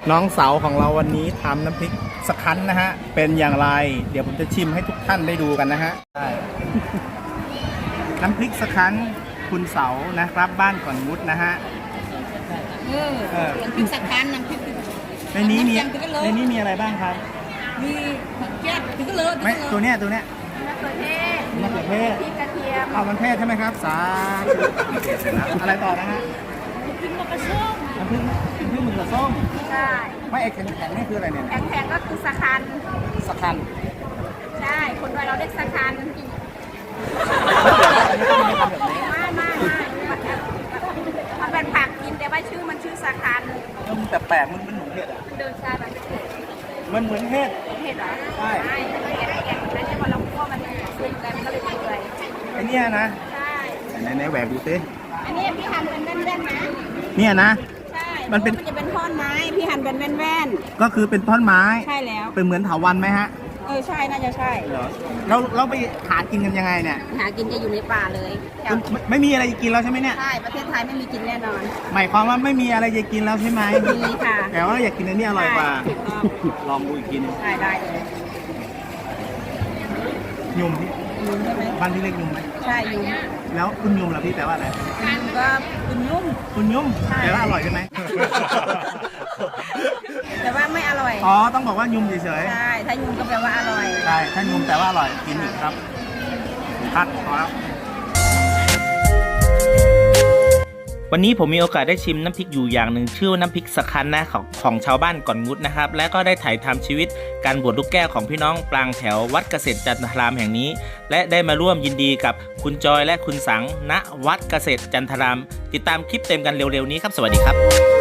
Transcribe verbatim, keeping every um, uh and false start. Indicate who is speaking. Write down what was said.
Speaker 1: น้องเสาของเราวันนี้ทำน้ำพริกสคั้นนะฮะเป็นอย่างไรเดี๋ยวผมจะชิมให้ทุกท่านได้ดูกันนะฮะน้ำพริกสคั้นคุณเสานะครับบ้านก่อนมุดนะฮะ
Speaker 2: เออน้ำพริกสคั้นน้ำพริก
Speaker 1: ในนี้มีในนี้มีอะไรบ้างครับ
Speaker 2: มีผักแก้วถึงก็เลย
Speaker 1: ไม่ตัวเนี้ยตัวเนี้ยมะเขือเทศมะเขือเทศพริกกระเทียมเอามันเทศใช่ไหมครับสาอะไรต่อนะฮะ
Speaker 2: พริกมะกระส้ม
Speaker 1: น้ำพริกน้ำพริกมะเขือส้ม
Speaker 2: ใช่
Speaker 1: ไม่ไอ้แข็งแข็งนี่คืออะไรเนี่ย
Speaker 2: แข็งแข็งก็คือสคั้น
Speaker 1: สคั้น
Speaker 2: ใช่คนไทยเราเรียกสคั้นไม่ไม่มันเป็นผักกินแต่ว่าชื่อมันชื่อสคั้น
Speaker 1: แต่แปลกมันมันเหมือนเห็ดอ่ะ
Speaker 2: เดินชาแบบ
Speaker 1: มันเหมือนเห็ด
Speaker 2: เห็ดเหรอ
Speaker 1: ใช่
Speaker 2: ใช่เห็ดเห็ดแล้วเนี่ยพอเราคั่วมันสุกกันก็เลยเปื่อย
Speaker 1: ไอเนี่ยนะ
Speaker 2: ใช่
Speaker 1: ไหนไหนแหวกดูสิ
Speaker 2: อันนี้พี่หั่นเป็นแว่นๆนะ
Speaker 1: เนี่ยนะ
Speaker 2: ใช่มันเป็นมันจะเป็นท่อนไม้พี่หั่นเป็นแว่น
Speaker 1: ๆก็คือเป็นท่อนไม้
Speaker 2: ใช่แล้ว
Speaker 1: เป็นเหมือนเถาวัลย์ไหมฮะ
Speaker 2: เออใช่น่าจะใช่
Speaker 1: เราเราไปหากินกันยังไงเนี่ย
Speaker 2: หากินจะอยู่ในป่าเลย
Speaker 1: ไม่มีอะไรจะกินแล้วใช่ไหมเนี่ย
Speaker 2: ใช่ประเทศไทยไม่มีกินแน่นอน
Speaker 1: หมายความว่าไม่มีอะไรจะกินแล้วใช่ไหม
Speaker 2: มีค่ะ
Speaker 1: แต่ว่าอยากกินอันนี้อร่อยกว่าลองดูอีกทีนึง
Speaker 2: ได้ได้เลย
Speaker 1: ยุ่มพี่
Speaker 2: ยุ่มใช่ไหม
Speaker 1: บ้านที่เรียกยุ่มไหม
Speaker 2: ใช่ยุ่ม
Speaker 1: แล้วคุณยุ่มล่ะพี่แปลว่าอะไร
Speaker 2: ยุ่มก็คุณยุ่ม
Speaker 1: คุณยุ่มแปลว่าอร่อยใช่ไหม
Speaker 2: แต่ว่าไม่อร่อย
Speaker 1: อ๋อต้องบอกว่ายุ่มเฉย
Speaker 2: ๆใช่ถ้ายุ่มก็แปลว่าอร่อย
Speaker 1: ใช่ถ้ายุ่มแปลว่าอร่อยกินอีกครับคัดพอแล้ววันนี้ผมมีโอกาสได้ชิมน้ำพริกอยู่อย่างหนึ่งชื่อว่าน้ำพริกสคั้นนะของของชาวบ้านก่อนงุดนะครับและก็ได้ถ่ายทำชีวิตการบวชลูกแก้วของพี่น้องปรางแถววัดเกษตรจันทรามแห่งนี้และได้มาร่วมยินดีกับคุณจอยและคุณสังณวัดเกษตรจันทรามติดตามคลิปเต็มกันเร็วๆนี้ครับสวัสดีครับ